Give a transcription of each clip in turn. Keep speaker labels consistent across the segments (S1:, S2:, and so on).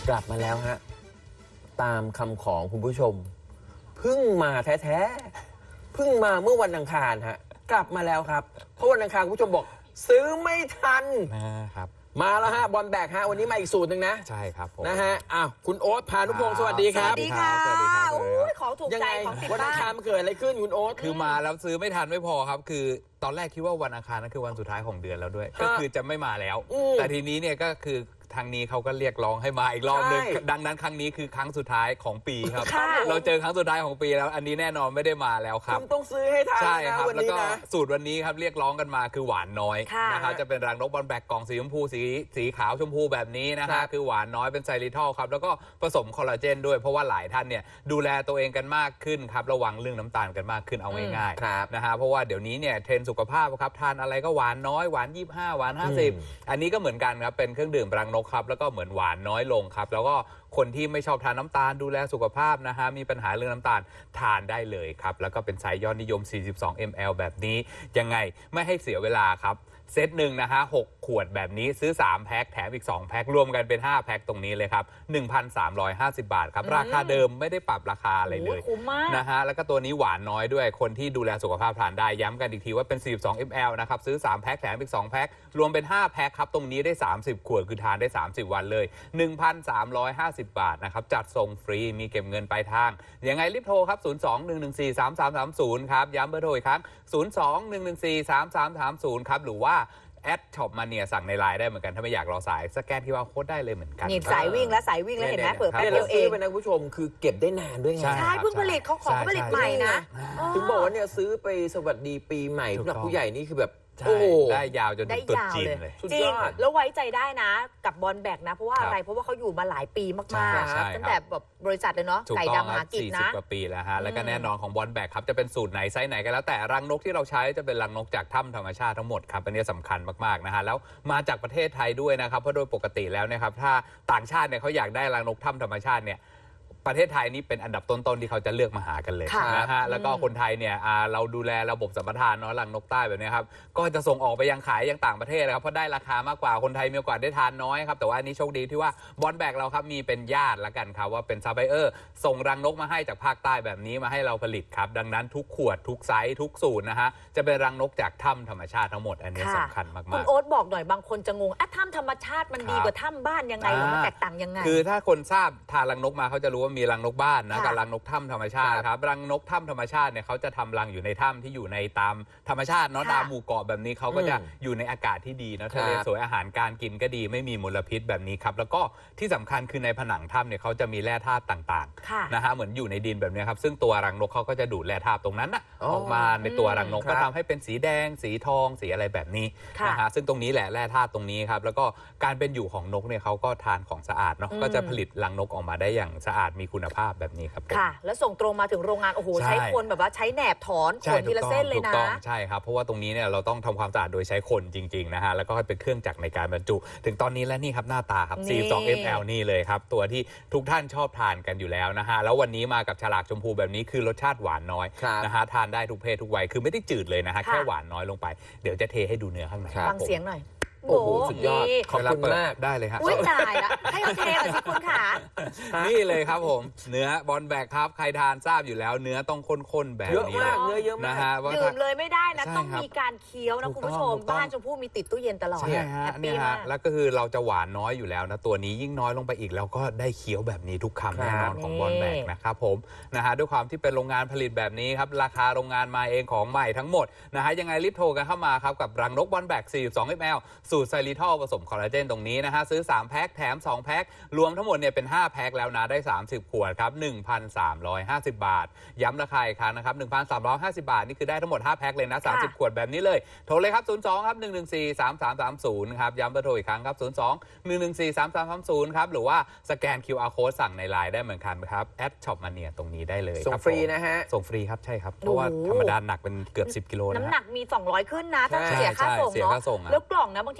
S1: กลับมาแล้วฮะตามคำของคุณผู้ชมเพิ่งมาแท้ๆเพิ่งมาเมื่อวันอังคารฮะกลับมาแล้วครับเพราะวันอังคารคุณผู้ชมบอกซื้อไม่ทัน
S2: นะครับ
S1: มาแล้วฮะบอลแบกฮะวันนี้มาอีกสูตรหนึ่งนะ
S2: ใช่ครับผม
S1: นะฮะอ้าวคุณโอ๊ตพานุพงศ์สวัสดีครับ
S3: สวัสดีค่ะ
S2: สวัสดีครับ
S3: ของถูกใจของติด
S1: วันอั
S3: บ้าง
S1: คารมันเกิดอะไรขึ้นคุณโอ๊ต
S2: คือมาแล้วซื้อไม่ทันไม่พอครับคือตอนแรกคิดว่าวันอังคารนั่นคือวันสุดท้ายของเดือนแล้วด้วยก็คือจะไม่มาแล้วแต่ทีนี้เนี่ยก็คือทางนี้เขาก็เรียกร้องให้มาอีกรอบนึงดังนั้นครั้งนี้คือครั้งสุดท้ายของปีครับเราเจอครั้งสุดท้ายของปีแล้วอันนี้แน่นอนไม่ได้มาแล้วครับ
S1: คุณต้องซื้อให้ทัน
S2: ใช่ครับแล้วก็
S1: นะ
S2: สูตรวันนี้ครับเรียกร้องกันมาคือหวานน้อยนะครับจะเป็นรังนกบอลแบกกล่องสีชมพูสีขาวชมพูแบบนี้นะครับคือหวานน้อยเป็นไซริทอลครับแล้วก็ผสมคอลลาเจนด้วยเพราะว่าหลายท่านเนี่ยดูแลตัวเองกันมากขึ้นครับระวังเรื่องน้ำตาลกันมากขึ้นเอาง่ายๆนะฮะเพราะว่าเดี๋ยวนี้เนี่ยเทรนด์สุขภาพครับทานอะไรก็หวานน้อยหวาน25หวาน50อันนี้ก็เหมือนกันครับเป็นเครื่องดื่มรังนกครับแล้วก็เหมือนหวานน้อยลงครับแล้วก็คนที่ไม่ชอบทานน้ำตาลดูแลสุขภาพนะฮะมีปัญหาเรื่องน้ำตาลทานได้เลยครับแล้วก็เป็นไซส์ยอดนิยม42 ml แบบนี้ยังไงไม่ให้เสียเวลาครับเซตหนึ่งนะฮะ6ขวดแบบนี้ซื้อ3แพ็คแถมอีก2แพ็ครวมกันเป็น5แพ็คตรงนี้เลยครับ 1,350 บาทครับราคาเดิมไม่ได้ปรับราคาอะไรเลยนะฮะแล้วก็ตัวนี้หวานน้อยด้วยคนที่ดูแลสุขภาพทานได้ย้ำกันอีกทีว่าเป็น42 ml นะครับซื้อ3แพ็คแถมอีก2แพ็ครวมเป็น5แพ็คครับตรงนี้ได้30ขวดคือทานได้30วันเลย 1,350 บาทนะครับจัดส่งฟรีมีเก็บเงินปลายทางยังไงรีบโทรครับ02-114-3330ครับย้ำเบอร์โทรอีกครั้ง02-114-3330ครับหรือว่าแอดช็อปมาเนี่ยสั่งในไลน์ได้เหมือนกันถ้าไม่อยากรอสายสแกนQRโค้ดได้เลยเหมือนกัน
S3: นี่สายวิ่งแล้วเห็นไหมเปิดแป๊บเดียวเอง
S1: เป็นนะคุณผู้ชมคือเก็บได้นานด้วยไง
S3: ใช่เพิ่งผลิตเขาของผลิตใหม่นะ
S1: ถึงบอกว่าเนี่ยซื้อไปสวัสดีปีใหม่ผู้หลักผู้ใหญ่นี่คือแบบ
S2: ได้ยาวจนถึงตุ๊ดจีนเลย
S3: จริงแล้วไว้ใจได้นะกับบอลแบกนะเพราะว่าอะไรเพราะว่าเขาอยู่มาหลายปีมากๆตั้งแต่แบบบริษัทเลยเนาะไก่ดำหากินนะ
S2: 40 กว่าปีแล้วฮะแล้วก็แน่นอนของบอลแบกครับจะเป็นสูตรไหนไซส์ไหนก็แล้วแต่รังนกที่เราใช้จะเป็นรังนกจากถ้ำธรรมชาติทั้งหมดครับอันนี้สำคัญมากๆนะฮะแล้วมาจากประเทศไทยด้วยนะครับเพราะโดยปกติแล้วนะครับถ้าต่างชาติเนี่ยเขาอยากได้รังนกถ้ำธรรมชาติเนี่ยประเทศไทยนี่เป็นอันดับต้นๆที่เขาจะเลือกมาหากันเลยนะฮะแล้วก็คนไทยเนี่ยเราดูแลระบบสัมปทานเนาะรังนกใต้แบบนี้ครับก็จะส่งออกไปยังขายยังต่างประเทศนะครับเพราะได้ราคามากกว่าคนไทยมีโอกาสได้ทานน้อยครับแต่ว่าอันนี้โชคดีที่ว่าบอลแบกเราครับมีเป็นญาติละกันครับว่าเป็นซัพพลายเออร์ส่งรังนกมาให้จากภาคใต้แบบนี้มาให้เราผลิตครับดังนั้นทุกขวดทุกไซส์ทุกสูตรนะฮะจะเป็นรังนกจากถ้ำธรรมชาติทั้งหมดอันนี้สำคัญมากๆ
S3: คุณโอ๊ตบอกหน่อยบางคนจะงงถ้ำธรรมชาติมันดีกว่าถ้ำบ้านยังไงมันแตกต่างยังไง
S2: คือถ้าคนทราบทานรังนกมาเขาจะรู้ว่ามีรังนกบ้านกับรังนกถ้ำธรรมชาติครับรังนกถ้ำธรรมชาติเนี่ยเขาจะทำรังอยู่ในถ้ำที่อยู่ในตามธรรมชาติเนาะตามหมู่เกาะแบบนี้เขาก็จะอยู่ในอากาศที่ดีนะทะเลสวยอาหารการกินก็ดีไม่มีมลพิษแบบนี้ครับแล้วก็ที่สำคัญคือในผนังถ้ำเนี่ยเขาจะมีแร่ธาตุต่างๆนะฮะเหมือนอยู่ในดินแบบนี้ครับซึ่งตัวรังนกเขาก็จะดูดแร่ธาตุตรงนั้นออกมาในตัวรังนกก็ทำให้เป็นสีแดงสีทองสีอะไรแบบนี้นะฮะซึ่งตรงนี้แหละแร่ธาตุตรงนี้ครับแล้วก็การเป็นอยู่ของนกเนี่ยเขาก็ทานของสะอาดเนาะก็จะผลิตรังนกออกมาได้อย่างสะอาดมีคุณภาพแบบนี้ครับ
S3: ค่ะแล้วส่งตรงมาถึงโรงงานโอ้โหใช้คนแบบว่าใช้แหนบถอนขนทีละเส้นเลยนะ
S2: ใช่ครับเพราะว่าตรงนี้เนี่ยเราต้องทำความสะอาดโดยใช้คนจริงๆนะฮะแล้วก็ให้เป็นเครื่องจักรในการบรรจุถึงตอนนี้และนี่ครับหน้าตาครับ42 ml นี่เลยครับตัวที่ทุกท่านชอบทานกันอยู่แล้วนะฮะแล้ววันนี้มากับฉลากชมพูแบบนี้คือรสชาติหวานน้อยนะฮะทานได้ทุกเพศทุกวัยคือไม่ได้จืดเลยนะฮะแค่หวานน้อยลงไปเดี๋ยวจะเทให้ดูเนื้อข้างใน
S3: ฟังเสียงหน่อย
S1: โอ้โหสุดยอดขอบคุณมาก
S2: ได้เลยครับ
S3: อุ้ยตายละให้เราเทก่อนสิคุณขา
S2: นี่เลยครับผมเนื้อบอลแบกครับใครทานทราบอยู่แล้วเนื้อต้องข้นๆแบบนี้
S1: เยอะมากเนื้อเยอะมาก
S2: นะฮะ
S3: ดื่มเลยไม่ได้นะต้องมีการเคี้ยวนะคุณผู้ชมบ้านชมพู่มีติดตู้เย็นตลอด
S2: ใช่ฮะนี่ฮะแล้วก็คือเราจะหวานน้อยอยู่แล้วนะตัวนี้ยิ่งน้อยลงไปอีกแล้วก็ได้เคี้ยวแบบนี้ทุกคำแน่นอนของบอลแบกนะครับผมนะฮะด้วยความที่เป็นโรงงานผลิตแบบนี้ครับราคาโรงงานมาเองของใหม่ทั้งหมดนะฮะยังไงรีบโทรกันเข้ามาครับกับรังนกบอลแบก42 ml สูตรไซริทอลผสมคอลลาเจนตรงนี้นะฮะซื้อ3แพ็คแถม2แพ็ครวมทั้งหมดเนี่ยเป็น5แพ็คแล้วนะได้30ขวดครับ 1,350 บาทย้ำราคาอีกครั้งนะครับ 1,350 บาทนี่คือได้ทั้งหมด5แพ็คเลยนะ30ขวดแบบนี้เลยโทรเลยครับ02ครับ114-3330ครับย้ำเบอร์โทรอีกครั้งครับ02-114-3330ครับหรือว่าสแกน QR Code สั่งในไลน์ได้เหมือนกันครับแอดช็อปมาเนียตรงนี้ได้เลย
S1: ส่งฟรีนะฮะ
S2: ส่งฟรีครับใช่ครับเพราะว่าธรรมดาหนักเป็นเกือบ10 กิโล
S3: น้ำหนักมี200ขึ้นนะถ้าเสียค่าส่งเนาะแล้วกล่องนะบางที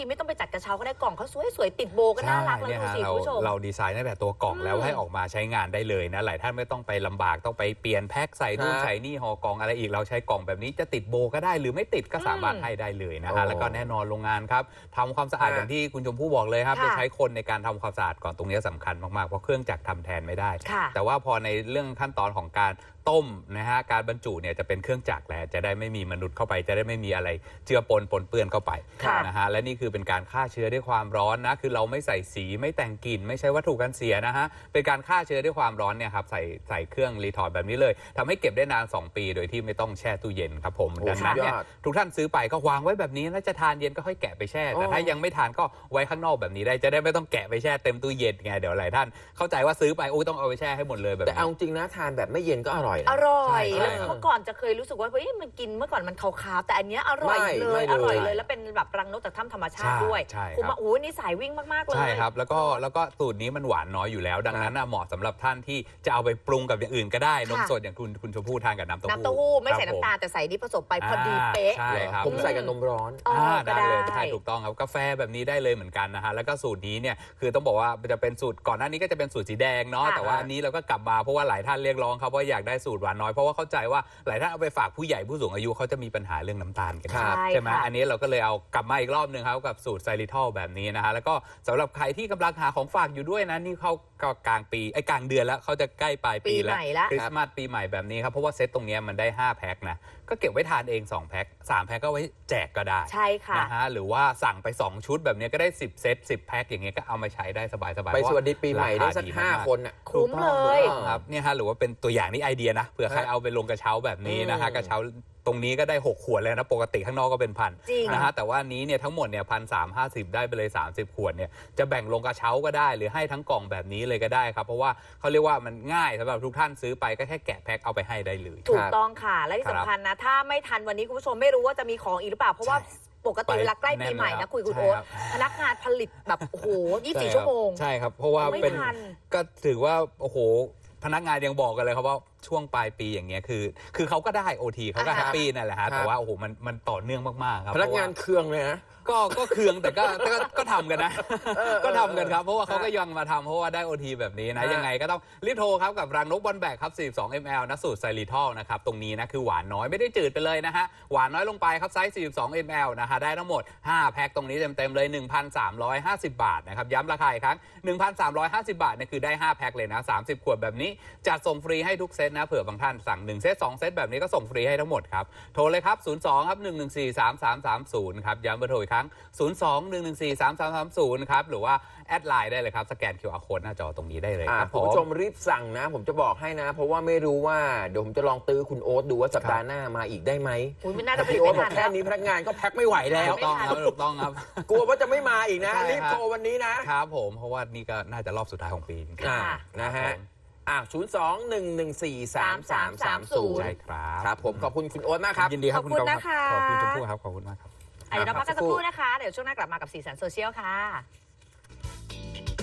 S3: ทีไม่ต้องไปจัดกระเช้าก็ได้กล่องเขาสวยๆติดโบก็น่ารักแล้วดูสิคุณผู้ชม
S2: เราดีไซน์ตั้งแต่ตัวกล่องแล้วให้ออกมาใช้งานได้เลยนะหลายท่านไม่ต้องไปลำบากต้องไปเปลี่ยนแพ็คใส่นู่นใส่นี่ห่อกล่องอะไรอีกเราใช้กล่องแบบนี้จะติดโบก็ได้หรือไม่ติดก็สามารถให้ได้เลยนะฮะแล้วก็แน่นอนโรงงานครับทำความสะอาดอย่างที่คุณชมพู่บอกเลยครับจะใช้คนในการทำความสะอาดก่อนตรงนี้สำคัญมากๆเพราะเครื่องจักรทำแทนไม่ได้แต่ว่าพอในเรื่องขั้นตอนของการต้มนะฮะการบรรจุเนี่ยจะเป็นเครื่องจักรแล้วจะได้ไม่มีมนุษย์เข้าไปจะได้ไม่มีอะไรเจือปนเปื้อนเข้าไปนะฮะและนี่คือเป็นการฆ่าเชื้อด้วยความร้อนนะคือเราไม่ใส่สีไม่แต่งกลิ่นไม่ใช่วัตถุกันเสียนะฮะเป็นการฆ่าเชื้อด้วยความร้อนเนี่ยครับใส่เครื่องรีทอร์ดแบบนี้เลยทำให้เก็บได้นาน2 ปีโดยที่ไม่ต้องแช่ตู้เย็นครับผมดังนั้นเนี่ยทุกท่านซื้อไปก็วางไว้แบบนี้แล้วจะทานเย็นก็ค่อยแกะไปแช่แต่ถ้ายังไม่ทานก็ไว้ข้างนอกแบบนี้ได้จะได้ไม่ต้องแกะไปแช่เต็มตู้เย็นไงเดี๋ยวหลายท่านเข้าใจว่าซื้อไปโอ้ต้องเอาไปแช่ให้หมดเลยแบบนี้
S1: แต่เอาจริงนะทานแบบไม่เย็นก็อร่อย
S3: อร่อยเมื่อก่อนจะเคยรู้สึกว่าเฮ้ยมันกินเมื่อก่อนมันขาวๆแต่อันเนี้ยอร่อยเลยอร่อยเลยแล้วเป็นแบบรังนกจากถ้ำธรรมชาติด้วยคุณมานี่สายวิ่งมากๆเลย
S2: ใช่ครับแล้วก็สูตรนี้มันหวานน้อยอยู่แล้วดังนั้นเหมาะสำหรับท่านที่จะเอาไปปรุงกับอย่างอื่นก็ได้นมสดอย่างคุณชมพู่ทานกับน้ำเต้าหู้
S3: ไม่ใส่น้ำตาลแต่ใส่นี่ผสมไปพอดีเป๊ะ
S2: ใช่ครับ
S1: ผมใส่กับนมร้อน
S2: ได้เลยใช่ถูกต้องครับกาแฟแบบนี้ได้เลยเหมือนกันนะฮะแล้วก็สูตรนี้เนี่ยคือต้องบอกว่าจะเป็นสูตรก่อนหน้านี้ก็จะเป็นสูตรสีแดงเนาะแต่ว่าอันนี้เราก็กลับมาเพราะว่าหลายท่านเรียกร้องครับว่าอยากได้สูตรหวานน้อยเพราะว่าเข้าใจว่าหลายท่านเอาไปฝากผู้ใหญ่ผู้สูงอายุเขาจะมีปัญหาเรื่องน้ำตาลกันใช่ไหมอันนี้เราก็เลยเอากลับมาอีกรอบนึงครับกับสูตรไซริทอลแบบนี้นะฮะแล้วก็สำหรับใครที่กำลังหาของฝากอยู่ด้วยนะนี่เขาก็กลางปีกลางเดือนแล้วเขาจะใกล้ปลายปีแล้วคริสต์มาสปีใหม่แบบนี้ครับเพราะว่าเซตตรงนี้มันได้5 แพ็คนะก็เก็บไว้ทานเอง2 แพ็ค3 แพ็คก็ไว้แจกก็ได้
S3: ใช่ค่ะ
S2: นะฮะหรือว่าสั่งไป2 ชุดแบบนี้ก็ได้10 เซต10 แพ็คอย่างเงี้ยก็เอามาใช้ได้สบายๆ
S1: ไปสวัสดีปีใหม่ได้สัก5 คน
S3: คุ้มเลย
S2: ครับเนี่ยฮะหรือว่าเป็นตัวอย่างนี้ไอเดียนะเผื่อใครเอาไปลงกระเช้าแบบนี้นะฮะกระเช้าตรงนี้ก็ได้6 ขวดเลยนะปกติข้างนอกก็เป็น1,000นะฮะแต่ว่านี้เนี่ยทั้งหมดเนี่ย1,350ได้ไปเลย30 ขวดเนี่ยจะแบ่งลงกระเช้าก็ได้หรือให้ทั้งกล่องแบบนี้เลยก็ได้ครับเพราะว่าเขาเรียกว่ามันง่ายสำหรับทุกท่านซื้อไปก็แค่แกะแพ็คเอาไปให้ได้เลย
S3: ถูกต้องค่ะและที่สำคัญนะถ้าไม่ทันวันนี้คุณผู้ชมไม่รู้ว่าจะมีของอีกหรือเปล่าเพราะว่าปกติเวลาใกล้ปีใหม่นะคุณโอ๊ตพนักงานผลิตแบบโอ้โห24 ชั่วโมง
S2: ใช่ครับเพราะว่าเป็นก็ถือว่าโอ้โหพนักงานยังบอกกันเลยครับว่าช่วงปลายปีอย่างเงี้ยคือเขาก็ได้ OT เขาก็แฮปปี้นั่นแหละฮะแต่ว่าโอ้โหมันต่อเนื่องมากๆครับ
S1: พนักงานเคืองเลยนะ
S2: ก็เคืองแต่ก็ทำกันนะก็ทำกันครับเพราะว่าเขาก็ยังมาทำเพราะว่าได้ OT แบบนี้นะยังไงก็ต้องรีบโทรครับกับรังนกบอลแบกครับ42 ml นะสูตรไซริทอลนะครับตรงนี้นะคือหวานน้อยไม่ได้จืดไปเลยนะฮะหวานน้อยลงไปครับไซส์42 ml นะฮะได้ทั้งหมด5 แพ็คตรงนี้เต็มๆเลย 1,350 บาทนะครับย้ำราคาอีกครั้ง 1,350 บาทเนี่ยคือได้5 แพ็คเลยนะ30 ขวดแบบนี้จัดส่งฟรีให้ทุกเซตนะเผื่อบางท่านสั่ง1 เซต 2 เซตแบบนี้ก็ส่งฟรีให้ทั้งหมดครับโทรเลยครับ02ครับ1143330ครับย้ำเบอร์โทรอีกครั้ง02-114-3330ครับหรือว่าแอดไลน์ได้เลยครับสแกน QR Code หน้าจอตรงนี้ได้เลยครับ
S1: คุณผู้ชมรีบสั่งนะผมจะบอกให้นะเพราะว่าไม่รู้ว่าเดี๋ยวผมจะลองตื้อคุณโอ๊ตดูว่าสัปดาห์หน้ามาอีกได้ไหม
S3: ไม่น่าจะ
S1: พี่โอ๊ตบอกแค่นี้พนักงานก็แพ็คไม่ไหวแล้ว
S2: ถูกต้องครับ
S1: กลัวว่าจะไม่มาอีกนะรีบโทรวันนี้
S2: นะครับผมเพราะว่านี่ก็น่าจะรอบสุดท้ายของปี
S1: นะฮะ02-114-3330
S2: ใช่ครับ
S1: ครับผมขอบคุณคุณโอ๊ตมากครับ
S2: ยินดีครับ
S3: ขอบคุณนะคะ
S2: ขอบคุณชมพู่ครับขอบคุณมากครับ
S3: เดี๋ยวเราพักกันสักครู่นะคะเดี๋ยวช่วงหน้ากลับมากับสีสันโซเชียลค่ะ